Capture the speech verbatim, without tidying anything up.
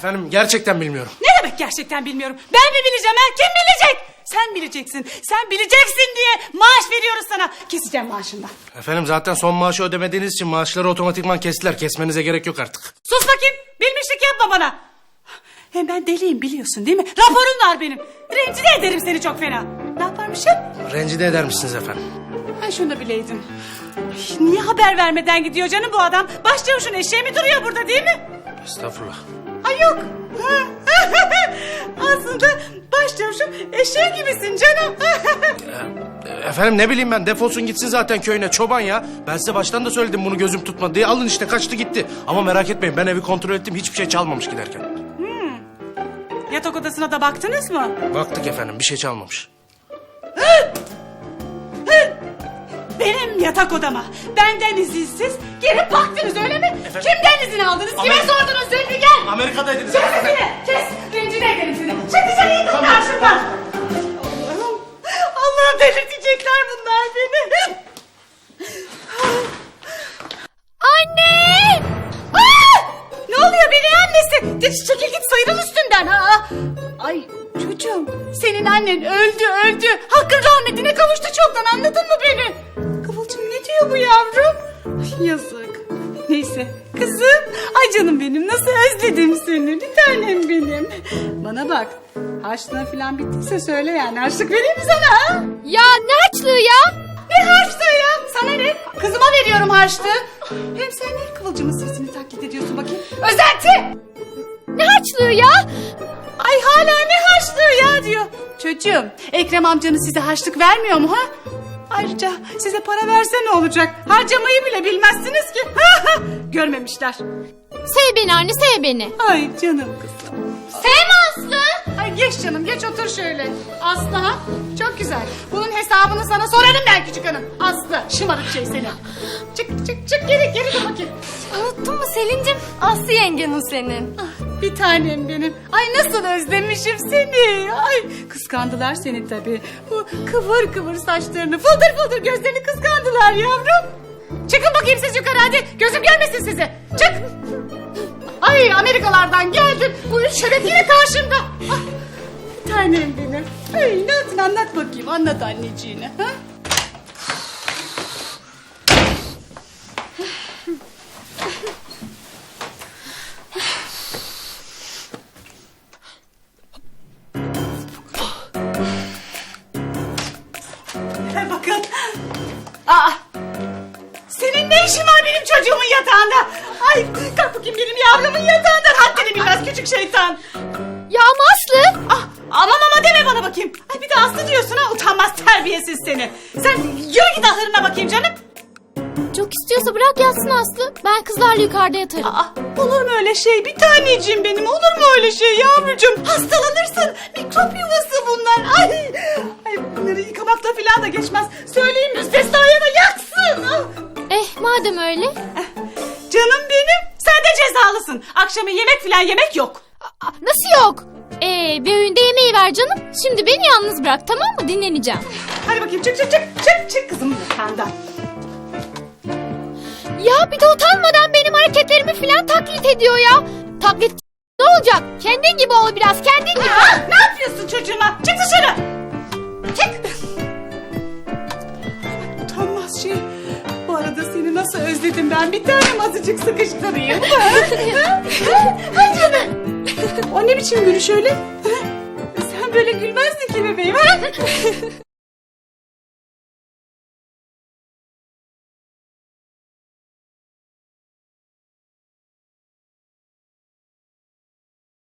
Efendim gerçekten bilmiyorum. Ne demek gerçekten bilmiyorum? Ben mi bileceğim ha? Kim bilecek? Sen bileceksin. Sen bileceksin diye maaş veriyoruz sana. Keseceğim maaşından. Efendim zaten son maaşı ödemediğiniz için maaşları otomatikman kestiler. Kesmenize gerek yok artık. Sus bakayım. Bilmişlik yapma bana. Hem ben deliyim biliyorsun değil mi? Raporum var benim. Rencide ederim seni çok fena. Ne yaparmışım? Rencide eder misiniz efendim? Ay şunu da bileydin. Ay, niye haber vermeden gidiyor canım bu adam? Başçavuşun eşeği mi duruyor burada değil mi? Estağfurullah. Ay yok. Aslında başçavuşun eşeği gibisin canım. Efendim ne bileyim ben, defolsun gitsin zaten köyüne, çoban ya. Ben size baştan da söyledim bunu gözüm tutmadı diye. Alın işte, kaçtı gitti. Ama merak etmeyin, ben evi kontrol ettim, hiçbir şey çalmamış giderken. Hmm. Yatak odasına da baktınız mı? Baktık efendim, bir şey çalmamış. Benim yatak odama benden izinsiz gelip baktınız öyle mi? Efendim? Kimden izin aldınız? Kime Amerika- sordunuz? Zülfü gel. Amerika'daydınız. Kes sesini. Kes. Rencide ederim seni. Çık dışarı, yıkıl karşımdan. Allah'ım. Allah'ım delirtecekler bunlar beni. Anne! Aa! Ne oluyor beni annesi? De, çekil git, sıyrıl üstünden. Ha. Ay çocuğum, senin annen öldü öldü. Hakkın rahmetine kavuştu çoktan, anladın mı beni? Kıvılcım ne diyor bu yavrum? Ay, yazık. Neyse kızım. Ay canım benim, nasıl özledim seni. Bir tanem benim. Bana bak, harçlığın falan bittiyse söyle yani. Harçlık vereyim mi sana ha? Ya ne harçlığı ya? Ne harçlığı ya? Sana ne? Kızıma veriyorum harçlığı. Hem sen niye Kıvılcım'ın sesini taklit ediyorsun bakayım? Özenti! Ne harçlığı ya? Ay hala ne harçlığı ya diyor. Çocuğum, Ekrem amcanız size harçlık vermiyor mu ha? Ayrıca size para verse ne olacak? Harcamayı bile bilmezsiniz ki. Görmemişler. Sev beni anne, sev beni. Ay canım kızım. Sevme Aslı. Ay geç canım, geç otur şöyle. Aslı ha? Çok güzel. Bunun hesabını sana sorarım ben küçük hanım. Aslı, şımarık şey seni. Çık çık çık, geri geri dur bakayım. Unuttun mu Selin'cim? Aslı yengen o senin. Ah, bir tanem benim. Ay nasıl özlemişim seni. Ay kıskandılar seni tabii. Bu kıvır kıvır saçlarını, fıldır fıldır gözlerini kıskandılar yavrum. Çıkın bakayım siz yukarı hadi. Gözüm görmesin sizi. Çık. Ay Amerikalardan geldim. Bu üç şeref yine karşımda. Ah, bir tanem benim. Ay ne yaptın, anlat bakayım. Anlat anneciğine. Ha? Bakın. Aa, senin ne işin var benim çocuğumun yatağında? Ay kalk bakayım benim yavrumun yatağından. Haddini bilmez küçük şeytan. Ya ama Aslı. Ah, ama mama deme bana bakayım. Ay bir de Aslı diyorsun ha, utanmaz terbiyesiz seni. Sen yürü git ahırına bakayım canım. Çok istiyorsa bırak yatsın Aslı. Ben kızlarla yukarıda yatarım. Aa, olur mu öyle şey bir taneciğim benim, olur mu öyle şey yavrucuğum? Hastalanırsın, mikrop yuvası bunlar. Ay, ay bunları yıkamakla falan da geçmez. Söyleyeyim müstesnaya da yaksın. Ah. Eh madem öyle. Canım benim, sen de cezalısın. Akşama yemek falan yemek yok. Aa, nasıl yok? Ee, bir öğünde yemeği ver canım. Şimdi beni yalnız bırak, tamam mı? Dinleneceğim. Hadi bakayım, çık çık çık çık çık kızım yatağından. Ya bir de utanmadan benim hareketlerimi falan taklit ediyor ya. Taklit ne olacak? Kendin gibi ol biraz, kendin gibi. Aa, ne yapıyorsun çocuğuma? Çık dışarı. Çık. Utanmaz şey. Bu arada seni nasıl özledim ben. Bir tanem azıcık sıkıştırayım. Hay canım. O ne biçim gülüş öyle? Sen böyle gülmezdin ki bebeğim.